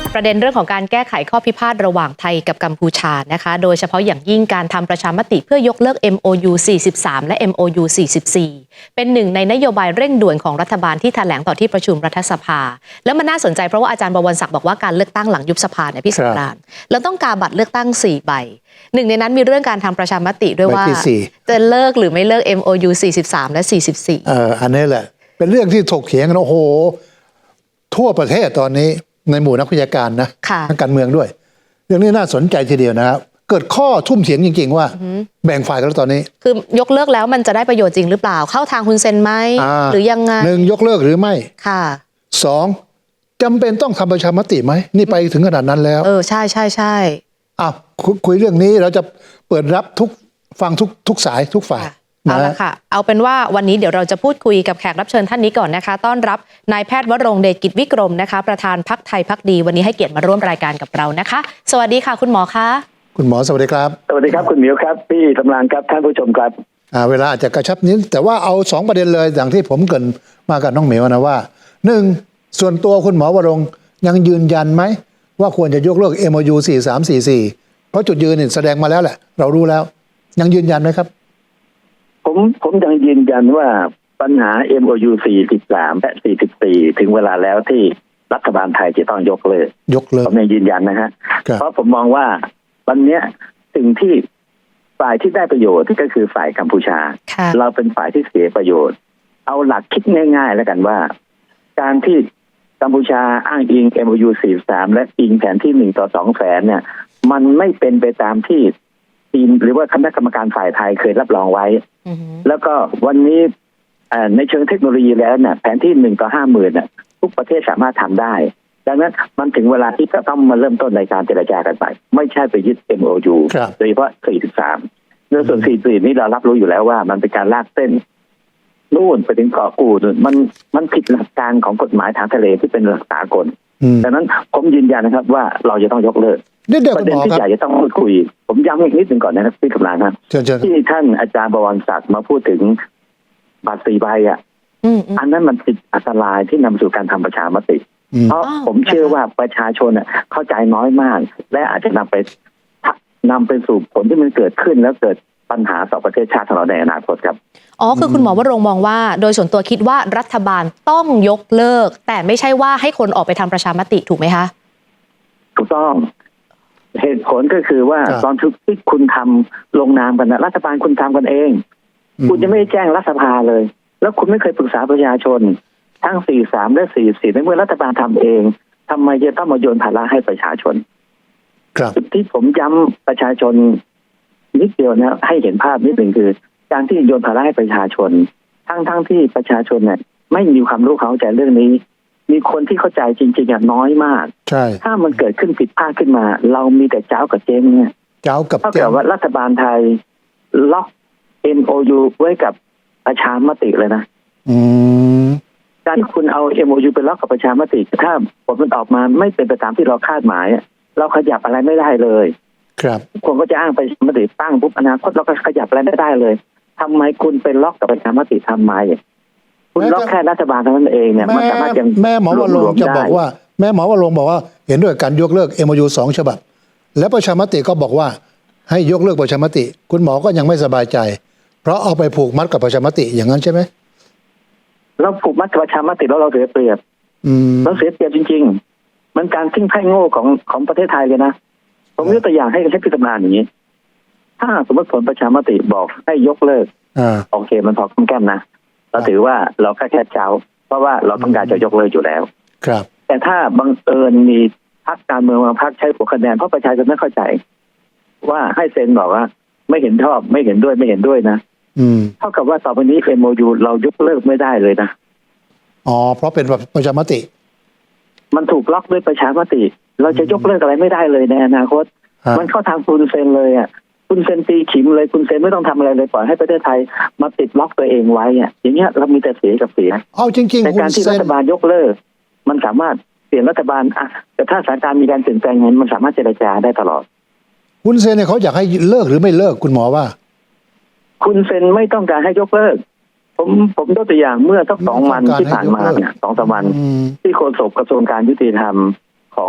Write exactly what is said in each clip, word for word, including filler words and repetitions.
ประเด็นเรื่องของการแก้ไขข้อพิพาทระหว่างไทยกับกัมพูชานะคะโดยเฉพาะอย่างยิ่งการทำประชามติเพื่อยกเลิก เอ็ม โอ ยู สี่สิบสาม และ เอ็ม โอ ยู สี่สิบสี่ เป็นหนึ่งในนโยบายเร่งด่วนของรัฐบาลที่แถลงต่อที่ประชุมรัฐสภาแล้วมันน่าสนใจเพราะว่าอาจารย์บวรศักดิ์บอกว่าการเลือกตั้งหลังยุบสภาเนี่ยพี่สงกรานต์เราต้องกาบัตรเลือกตั้งสี่ใบหนึ่งในนั้นมีเรื่องการทำประชามติด้วยว่าจะเลิกหรือไม่เลิก เอ็ม โอ ยู สี่สิบสาม และ สี่สิบสี่เอออันนี้แหละเป็นเรื่องที่ถกเถียงกันโอ้โหทั่วประเทศตอนนี้ในหมู่นักวิชาการนะทางการเมืองด้วยเรื่องนี้น่าสนใจทีเดียวนะครับเกิดข้อทุ่มเถียงจริงๆว่าแบ่งฝ่ายกันแล้วตอนนี้คือยกเลิกแล้วมันจะได้ประโยชน์จริงหรือเปล่าเข้าทางฮุนเซนไหมหรือยังไงหนึ่งยกเลิกหรือไม่ค่ะสองจำเป็นต้องทำประชามติไหมนี่ไปถึงขนาดนั้นแล้วเออใช่ใช่ใช่อ้าวคุยเรื่องนี้เราจะเปิดรับทุกฟังทุกทุกสายทุกฝ่ายเอาละค่ะเอาเป็นว่าวันนี้เดี๋ยวเราจะพูดคุยกับแขกรับเชิญท่านนี้ก่อนนะคะต้อนรับนายแพทย์วรงค์เดชกิจวิกรมนะคะประธานพรรคไทยพรรคดีวันนี้ให้เกียรติมาร่วมรายการกับเรานะคะสวัสดีค่ะคุณหมอคะคุณหมอสวัสดีครับสวัสดีครับคุณหมิวครับพี่กำลังครับท่านผู้ชมครับอ่าเวลาอาจจะกระชับนิดแต่ว่าเอาสองประเด็นเลยอย่างที่ผมเกริ่นมากับน้องหมิวนะว่าหนึ่งส่วนตัวคุณหมอวรงค์ยังยืนยันไหมว่าควรจะยกเลิก เอ็ม โอ ยู สี่สามสี่สี่เพราะจุดยืนนี่แสดงมาแล้วแหละเรารู้แล้วยังยืนยันไหมครับผมผมยังยืนยันว่าปัญหา เอ็ม โอ ยู สี่สิบสาม และ สี่สิบสี่ ถึงเวลาแล้วที่รัฐบาลไทยจะต้องยกเลิกยกเลิกผมยังยืนยันนะฮะเพราะผมมองว่าวันนี้สิ่งที่ฝ่ายที่ได้ประโยชน์ก็คือฝ่ายกัมพูชาเราเป็นฝ่ายที่เสียประโยชน์เอาหลักคิดง่ายๆแล้วกันว่าการที่กัมพูชาอ้างอิง เอ็ม โอ ยู สี่สิบสาม และอิงแผนที่หนึ่งต่อสองแสนเนี่ยมันไม่เป็นไปตามที่ทีมหรือว่าคณะกรรมการฝ่ายไทยเคยรับรองไว้แล้วก็วันนี้ในเชิงเทคโนโลยีแล้วเนี่ยแผนที่หนึ่งต่อห้าหมื่นเนี่ยทุกประเทศสามารถทำได้ดังนั้นมันถึงเวลาที่จะต้องมาเริ่มต้นในการเจรจากันไปไม่ใช่ไปยึด เอ็ม โอ ยู โดยเฉพาะสี่สิบสามในส่วนสี่สิบสี่นี้เรารับรู้อยู่แล้วว่ามันเป็นการลากเส้นนู่นไปถึงเกาะกูดมันมันผิดหลักการของกฎหมายทางทะเลที่เป็นหลักสากลดังนั้นผมยืนยันนะครับว่าเราจะต้องยกเลิกประเด็นที่ใหญ่จะต้องพูดคุยผมย้ำอีกนิดหนึ่งก่อนนะครับพี่กำลังครับที่ท่านอาจารย์บวรศักดิ์มาพูดถึงบัตรสี่ใบอ่ะอันนั้นมันติดอันตรายที่นำสู่การทำประชามติเพราะผมเชื่อว่าประชาชนเข้าใจน้อยมากและอาจจะนำไปนำไปสู่ผลที่มันเกิดขึ้นแล้วเกิดปัญหาต่อประเทศชาติของเราในอนาคตครับอ๋อคือคุณหมอวรงค์มองว่าโดยส่วนตัวคิดว่ารัฐบาลต้องยกเลิกแต่ไม่ใช่ว่าให้คนออกไปทำประชามติถูกไหมคะถูกต้องเหตุผลก็คือว่าตอนที่คุณทำลงนามกันนะรัฐบาลคุณทำกันเองคุณจะไม่แจ้งรัฐสภาเลยแล้วคุณไม่เคยปรึกษาประชาชนทั้งสี่สิบสามและสี่สิบสี่ในเมื่อรัฐบาลทำเองทำไมจะต้องมาโยนภาระให้ประชาชนจุดที่ผมย้ำประชาชนนิดเดียวนะให้เห็นภาพนิดหนึ่งคือการที่โยนภาระให้ประชาชนทั้งทั้งที่ประชาชนเนี่ยไม่มีความรู้เข้าใจเรื่องนี้มีคนที่เข้าใจจริงๆน้อยมากใช่ถ้ามันเกิดขึ้นผิดพลาดขึ้นมาเรามีแต่เจ้ากับเจ๊งเนี่ยเจ้ากับเท่ากับว่ารัฐบาลไทยล็อก เอ็ม โอ ยู ไว้กับประชามติเลยนะการที่คุณเอา เอ็ม โอ ยู ไปล็อกกับประชามติถ้าผลมันออกมาไม่เป็นไปตามที่เราคาดหมายเราขยับอะไรไม่ได้เลยครับคนก็จะอ้างประชามติตั้งปุ๊บอนาคตเราก็ขยับอะไรไม่ได้เลยทำไมคุณไปล็อกกับประชามติทำไมคุณล็อกแค่รัฐบาลเท่านั้นเองเนี่ยมันสามารถยังแม่หมอวรงค์จะบอกว่าแม่หมอวรงค์บอกว่าเห็นด้วยการยกเลิก เอ็ม โอ ยู สองฉบับและประชามติก็บอกว่าให้ยกเลิกประชามติคุณหมอก็ยังไม่สบายใจเพราะเอาไปผูกมัดกับประชามติอย่างนั้นใช่ไหมเราผูกมัดกับประชามติแล้วเราเสียเปรียบเราเสียเปรียบจริงๆมันการทิ้งไพ่โง่ของของประเทศไทยเลยนะผมยกตัวอย่างให้ใช้พิจารณาอย่างนี้ถ้าสมมติผลประชามติบอกให้ยกเลิกโอเคมันพอคุ้มแก้มนะเราถือว่าเราแค่แค่เจ้าเพราะว่าเราต้องการจะยกเลิกอยู่แล้วครับแต่ถ้าบังเอิญมีพรรคการเมืองบางพรรคใช้หัวคะแนนเพราะประชาชนไม่เข้าใจว่าให้เซ็นบอกว่าไม่เห็นชอบไม่เห็นด้วยไม่เห็นด้วยนะเท่ากับว่าต่อไปนี้ เอ็ม โอ ยู เรายกเลิกไม่ได้เลยนะอ๋อเพราะเป็นประชามติมันถูกล็อกด้วยประชามติเราจะยกเลิกอะไรไม่ได้เลยในอนาคตมันเข้าทางคุณเซ็นเลยอ่ะคุณเซ็นตีขิมเลยคุณเซ็นไม่ต้องทำอะไรเลยปล่อยให้ประเทศไทยมาติดล็อกตัวเองไว้อ่ะอย่างเงี้ยเรามีแต่เสียกับเสียเอาจริงๆในการที่รัฐบาลยกเลิกมันสามารถเปลี่ยนรัฐบาลอ่ะแต่ถ้าสถานการณ์มีการเปลี่ยนแปลงเงินมันสามารถเจรจาได้ตลอดคุณเซ็นเนี่ยเขาอยากให้เลิกหรือไม่เลิกคุณหมอว่าคุณเซ็นไม่ต้องการให้ยกเลิกผมผมยกตัวอย่างเมื่อสักสองวันที่ผ่านมาเนี่ยสองสามวันที่โฆษกกระทรวงการยุติธรรมของ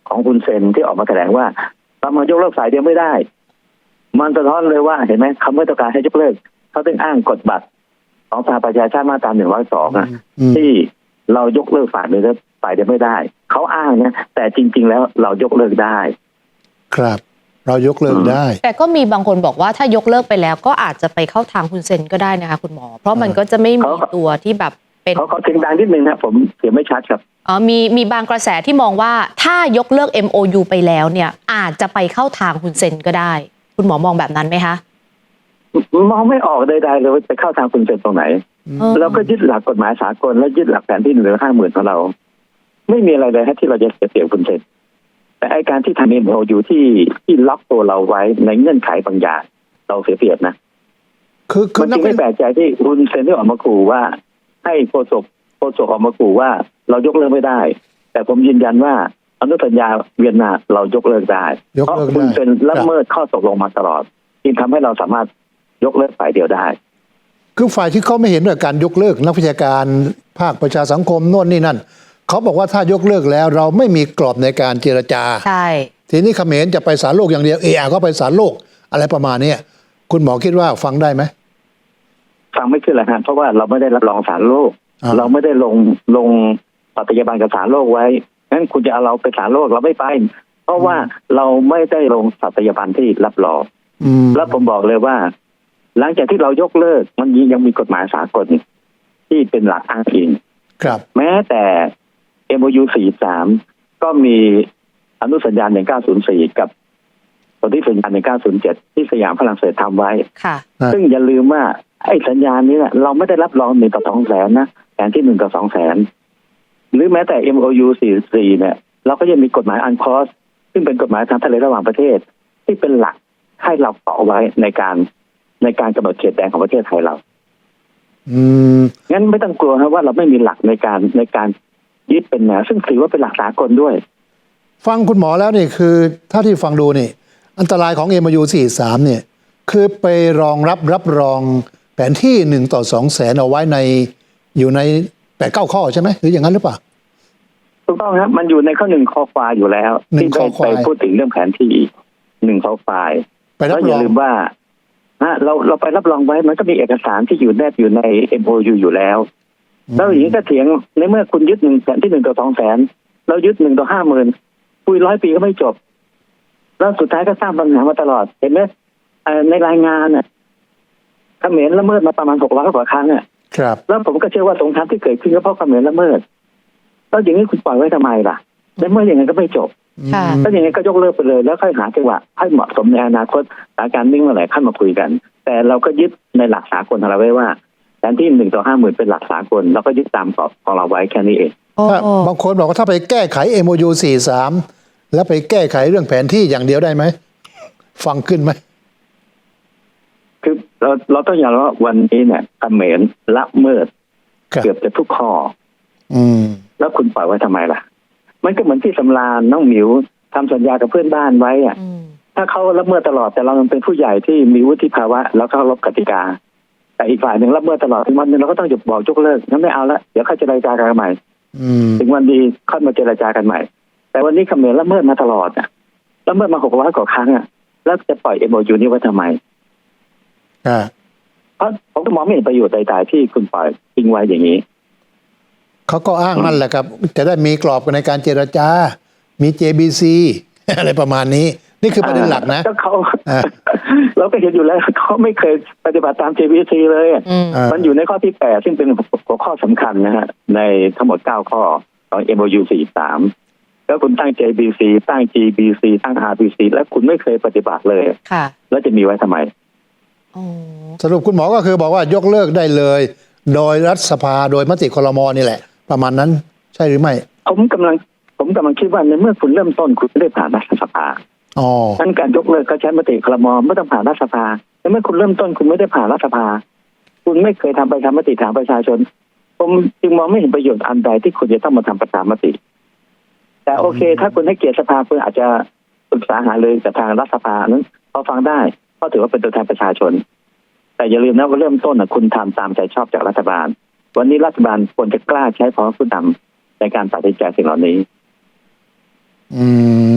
ของคุณเซนที่ออกมาแถลงว่าเรามายกเลิกฝ่ายเดียวไม่ได้มันสะท้อนเลยว่าเห็นไหมเขาไม่ต้องการให้ยกเลิกเขาต้องอ้างกฎบัตรของสหประชาชาติมาตราหนึ่งร้อยสองอ่ะที่เรายกเลิกฝ่ายเดียวฝ่ายเดียวไม่ได้เขาอ้างนะแต่จริง ๆ แล้วเรายกเลิกได้ครับเรายกเลิกได้แต่ก็มีบางคนบอกว่าถ้ายกเลิกไปแล้วก็อาจจะไปเข้าทางคุณเซนก็ได้นะคะคุณหมอเพราะมันก็จะไม่มีตัวที่แบบเป็นเขาเขาเสียงดังนิดนึงนะผมเสียงไม่ชัดครับอ๋อมีมีบางกระแสที่มองว่าถ้ายกเลิก เอ็ม โอ ยู ไปแล้วเนี่ยอาจจะไปเข้าทางคุณเซนก็ได้คุณหมอมองแบบนั้นไหมคะมองไม่ออกใดๆเลยว่าไปเข้าทางคุณเซนตรงไหนเราก็ยึดหลักกฎหมายสากลและยึดหลักแผนที่หนึ่งร้อยห้าหมื่นของเราไม่มีอะไรเลยฮะที่เราจะเสียเปรียบคุณเซนแต่ไอการที่ทำ เอ็ม โอ ยู ที่ที่ล็อกตัวเราไว้ในเงื่อนไขบางอย่างเราเสียเปรียบนะคือคือมันจึงไม่แปลกใจที่คุณเซนได้ออกมาขู่ว่าให้โฆษกโฆษกออกมาขู่ว่าเรายกเลิกไม่ได้แต่ผมยืนยันว่าอนุสัญญาเวียนนาเรายกเลิกได้เพราะคุณเซนละเมิดข้อตกลงมาตลอดจึงทำให้เราสามารถยกเลิกฝ่ายเดียวได้คือฝ่ายที่เขาไม่เห็นด้วยการยกเลิกนักวิชาการภาคประชาสังคมโน่นนี่นั่นเขาบอกว่าถ้ายกเลิกแล้วเราไม่มีกรอบในการเจรจาใช่ทีนี้เขมรจะไปศาลโลกอย่างเดียวเออก็ไปศาลโลกอะไรประมาณนี้คุณหมอคิดว่าฟังได้ไหมฟังไม่ขึ้นหรอกครับเพราะว่าเราไม่ได้รับรองศาลโลกเราไม่ได้ลงลงปฏิญาณกับศาลโลกไว้งั้นคุณจะเอาเราไปศาลโลกเราไม่ไปเพราะว่าเราไม่ได้ลงปฏิญาณที่รับรองแล้วผมบอกเลยว่าหลังจากที่เรายกเลิกมันยังมีกฎหมายสากลที่เป็นหลักอ้างอิงครับแม้แต่ เอ็ม โอ ยู สี่สิบสามก็มีอนุสัญญาหนึ่งเก้าศูนย์สี่กับสนธิสัญญาหนึ่งเก้าศูนย์เจ็ดที่สยามฝรั่งเศสทำไว้ซึ่งอย่าลืมว่าไอ้สัญญานี้เนี่ยเราไม่ได้รับรองหนึ่งต่อสองแสนนะแผนที่หนึ่งต่อสองแสนหรือแม้แต่ เอ็ม โอ ยู สี่สิบสี่เนี่ยเราก็ยังมีกฎหมายอันคอสซึ่งเป็นกฎหมายทางทะเลระหว่างประเทศที่เป็นหลักให้เราเกาะไว้ในการในการกำหนดเขตแดนของประเทศไทยเราอืมงั้นไม่ต้องกลัวนะว่าเราไม่มีหลักในการในการยึดเป็นแนวซึ่งถือว่าเป็นหลักสากลด้วยฟังคุณหมอแล้วนี่คือถ้าที่ฟังดูนี่อันตรายของ เอ็ม โอ ยู สี่สิบสามเนี่ยคือไปรองรับรับรองแผนที่หนึ่งต่อสองแสนเอาไว้ในอยู่ในแปดเก้าข้อใช่ไหมหรืออย่างนั้นหรือเปล่าถูกต้องครับมันอยู่ในข้อหนึ่งข้อควายอยู่แล้วที่ได้ไปพูดถึงเรื่องแผนที่หนึ่งข้อควายแล้วอย่าลืมว่าเราเราไปรับรองไว้มันก็มีเอกสารที่อยู่แนบอยู่ใน เอ็ม โอ ยู อยู่แล้วแล้วอย่างนี้ก็เถียงในเมื่อคุณยึดหนึ่งแผนที่หนึ่งต่อสองแสนเรายึดหนึ่งต่อห้าหมื่นคุยร้อยปีก็ไม่จบแล้วสุดท้ายก็สร้างปัญหามาตลอดเห็นไหมในรายงานน่ะเขมรละเมิดมาประมาณหกร้อยกว่าครั้งอ่ะครับแล้วผมก็เชื่อว่าสงครามที่เกิดขึ้นก็เพราะเขมรละเมิดแล้วอย่างนี้คุณปล่อยไว้ทำไมล่ะในเมื่ออย่างนั้นก็ไม่จบแล้วอย่างนี้ก็ยกเลิกไปเลยแล้วค่อยหาจังหวะให้เหมาะสมในอนาคตสถานการณ์นิ่งเมื่อไหร่ขั้นมาคุยกันแต่เราก็ยึดในหลักสากลของเราไว้ว่าแผนที่หนึ่งต่อห้าหมื่นเป็นหลักสากลเราก็ยึดตามกรอบของเราไว้แค่นี้เองบางคนบอกว่าถ้าไปแก้ไข เอ็ม โอ ยู สี่สิบสามแล้วไปแก้ไขเรื่องแผนที่อย่างเดียวได้ไหมฟังขึ้นไหมคือเราเราต้องยอมรับว่าวันนี้เนี่ยเขมรละเมิดเกือบจะทุกข้ออืมแล้วคุณปล่อยไว้ทำไมล่ะมันก็เหมือนที่สำราญน้องหมิวทำสัญญากับเพื่อนบ้านไว้อ่ะถ้าเขาละเมิดตลอดแต่เราเป็นผู้ใหญ่ที่มีวุฒิภาวะแล้วเคารพกติกาแต่อีกฝ่ายหนึ่งละเมิดตลอดถึงวันนึงเราก็ต้องหยุดบอกยกเลิกงั้นไม่เอาละเดี๋ยวค่อยเจรจากันใหม่ถึงวันดีค่อยมาเจรจากันใหม่แต่วันนี้เขมรละเมิดมาตลอดอ่ะละเมิดมาหกร้อยกว่าครั้งอ่ะแล้วจะปล่อย เอ็ม โอ ยู นี้ไว้ทำไมอ่าเพราะผมก็มองไม่เห็นประโยชน์ใดๆที่คุณปล่อยทิ้งไว้อย่างนี้เขาก็อ้างนั่นแหละครับจะได้มีกรอบในการเจรจามี เจ บี ซี อะไรประมาณนี้นี่คือประเด็นหลักนะก็เขาเราก็เห็นอยู่แล้วเขาไม่เคยปฏิบัติตาม เจ บี ซี เลยมันอยู่ในข้อที่แปดซึ่งเป็นหัวข้อสำคัญนะฮะในทั้งหมดเก้าข้อของ เอ็ม โอ ยู สี่สิบสามแล้วคุณตั้ง เจ บี ซี ตั้ง จี บี ซี ตั้ง อาร์ บี ซี แล้วคุณไม่เคยปฏิบัติเลยแล้วจะมีไว้ทำไมสรุปคุณหมอก็คือบอกว่ายกเลิกได้เลยโดยรัฐสภาโดยมติครม.นี่แหละประมาณนั้นใช่หรือไม่ผมกำลังผมกำลังคิดว่าในเมื่อคุณเริ่มต้นคุณไม่ได้ผ่านรัฐสภาอ๋องั้นการยกเลิกก็ใช้มติครม.ไม่ต้องผ่านรัฐสภาในเมื่อคุณเริ่มต้นคุณไม่ได้ผ่านรัฐสภาคุณไม่เคยทำประชามติถามประชาชนผมจึงมองไม่เห็นประโยชน์อันใดที่คุณจะต้องมาทำประชามติแต่โอเคถ้าคุณให้เกียรติสภาคุณอาจจะปรึกษาหารือกับทางรัฐสภานั้นพอฟังได้เพราะถือว่าเป็นตัวแทนประชาชนแต่อย่าลืมนะว่าเริ่มต้นนะคุณทำตามใจชอบจากรัฐบาลวันนี้รัฐบาลควรจะกล้าใช้พอผู้นำในการตัดสินใจสิ่งเหล่านี้อืม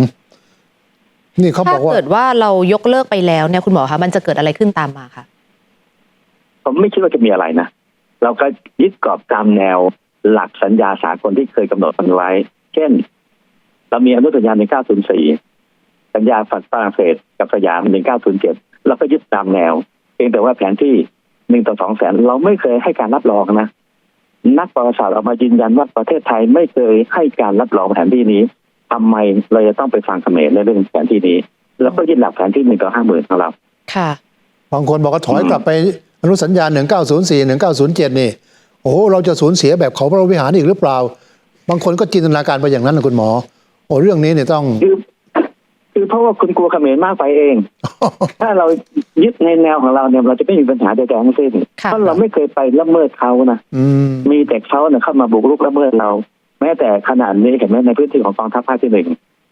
นี่เขาบอกว่าถ้าเกิดว่าเรายกเลิกไปแล้วเนี่ยคุณหมอคะมันจะเกิดอะไรขึ้นตามมาคะผมไม่คิดว่าจะมีอะไรนะเราก็ยึดกรอบตามแนวหลักสัญญาสากลที่เคยกำหนดกันไว้เช่นเรามีอนุสัญญาหนึ่งเก้าศูนย์สี่สัญญาฝรั่งเศสกับสยามหนึ่งเก้าศูนย์เจ็ดเราก็ยึดตามแนวเพียงแต่ว่าแผนที่หนึ่งต่อสองแสนเราไม่เคยให้การรับรองนะนักประวัติศาสตร์ออกมายืนยันว่าประเทศไทยไม่เคยให้การรับรองแผนที่นี้ทำไมเราจะต้องไปฟังเขมรในเรื่องแผนที่นี้แล้วก็ยึดหลักแผนที่หนึ่งต่อห้าหมื่นของเราค่ะบางคนบอกว่าถอยกลับไปอนุสัญญาหนึ่งเก้าศูนย์สี่ หนึ่งเก้าศูนย์เจ็ดนี่โอ้โหเราจะสูญเสียแบบเขาพระวิหารอีกหรือเปล่าบางคนก็จินตนาการไปอย่างนั้นนะคุณหมอโอ้เรื่องนี้เนี่ยต้องคือคือเพราะว่าคุณกลัวเขมรมากไปเอง ถ้าเรายึดในแนวของเราเนี่ยเราจะไม่มีปัญหาใดๆทั้งสิ้นเพราะเราไม่เคยไปละเมิดเขานะมีแต่เขาเนี่ยเข้ามาบุกรุกละเมิดเราแม้แต่ขนาดนี้เห็นไหมในพื้นที่ของกองทัพภาคที่หนึ่ง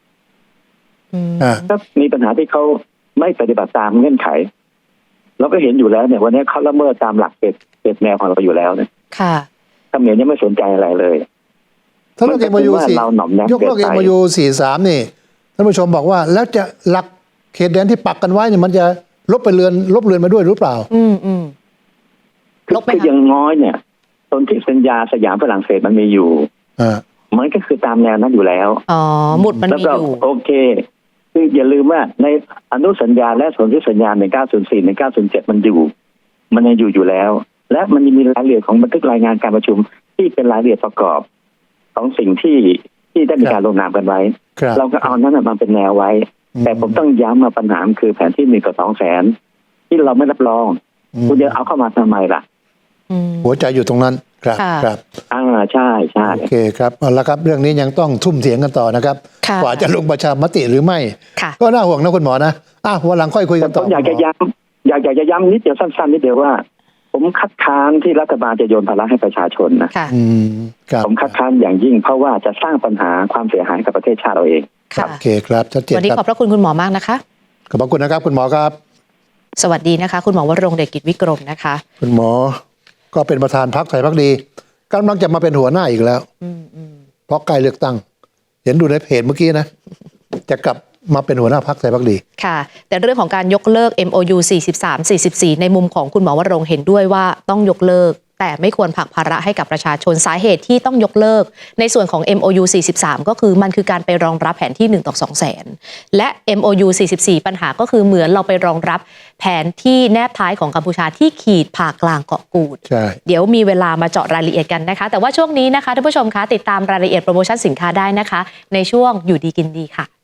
ก็มีปัญหาที่เขาไม่ปฏิบัติตามเงื่อนไขเราก็เห็นอยู่แล้วเนี่ยวันนี้เขาละเมิดตามหลักเกณฑ์เกณฑ์แนวของเราอยู่แล้วเนี่ยค่ะเขมรยังไม่สนใจอะไรเลยถ้าเราเอ็มยูสี่ยกเลิกเอ็มยูสี่สามนี่ท่านผู้ชมบอกว่าแล้วจะหลักเขตแดนที่ปักกันไว้เนี่ยมันจะลบไปเรือนลบเรือนมาด้วยหรือเปล่าอืมอืมลบไปยังน้อยเนี่ยตนที่สัญญาสยามฝรั่งเศสมันมีอยู่อ่ามันก็คือตามแนวนั้นอยู่แล้วอ๋อหมุดมันมีอยู่โอเคคืออย่าลืมว่าในอนุสัญญาและสนธิสัญญาหนึ่งเก้าศูนย์สี่ หนึ่งเก้าศูนย์เจ็ดมันอยู่มันยังอยู่อยู่แล้วและมันมีรายละเอียดของบันทึกรายงานการประชุมที่เป็นรายละเอียดประกอบของสิ่งที่ที่ได้มีการลงนามกันไว้เราก็เอานั้นมาเป็นแนวไว้แต่ผมต้องย้ำมาปัญหาคือแผนที่หนึ่งกับสองแสนที่เราไม่รับรองคุณจะเอาเข้ามาทำไมล่ะหัวใจอยู่ตรงนั้นครับครับอ่าใช่ใช่โอเคครับเอาละครับเรื่องนี้ยังต้องทุ่มเถียงกันต่อนะครับกว่าจะลงประชามติหรือไม่ก็น่าห่วงนะคุณหมอนะอ่ะวันหลังค่อยคุยกันต่อผมอยากจะย้ำอยากจะย้ำนิดเดียวสั้นๆนิดเดียวว่าผมคัดค้านที่รัฐบาลจะโยนภาระให้ประชาชนนะผมคัดค้านอย่างยิ่งเพราะว่าจะสร้างปัญหาความเสียหายกับประเทศชาติเราเองโอเคครับชัดเจนครับวันนี้ขอบพระคุณคุณหมอมากนะคะขอบพระคุณนะครับคุณหมอครับสวัสดีนะคะคุณหมอวรงค์เดชกิจวิกรมนะคะคุณหมอก็เป็นประธานพรรคไทยพรรคดีกำลังจะมาเป็นหัวหน้าอีกแล้วเพราะใกล้เลือกตั้งเห็นดูในเพจเมื่อกี้นะจะกลับมาเป็นหัวหน้าพรรคไทยพรรคดีค่ะแต่เรื่องของการยกเลิก เอ็ม โอ ยู สี่สิบสาม สี่สิบสี่ ในมุมของคุณหมอวรงค์เห็นด้วยว่าต้องยกเลิกแต่ไม่ควรผลักภาระให้กับประชาชนสาเหตุที่ต้องยกเลิกในส่วนของ เอ็ม โอ ยู สี่สิบสาม ก็คือมันคือการไปรองรับแผนที่หนึ่งต่อสองแสนและ เอ็ม โอ ยู สี่สิบสี่ ปัญหาก็คือเหมือนเราไปรองรับแผนที่แนบท้ายของกัมพูชาที่ขีดผ่ากลางเกาะกูดเดี๋ยวมีเวลามาเจาะรายละเอียดกันนะคะแต่ว่าช่วงนี้นะคะท่านผู้ชมคะติดตามรายละเอียดโปรโมชั่นสินค้าได้นะคะในช่วงอยู่ดีกินดีค่ะ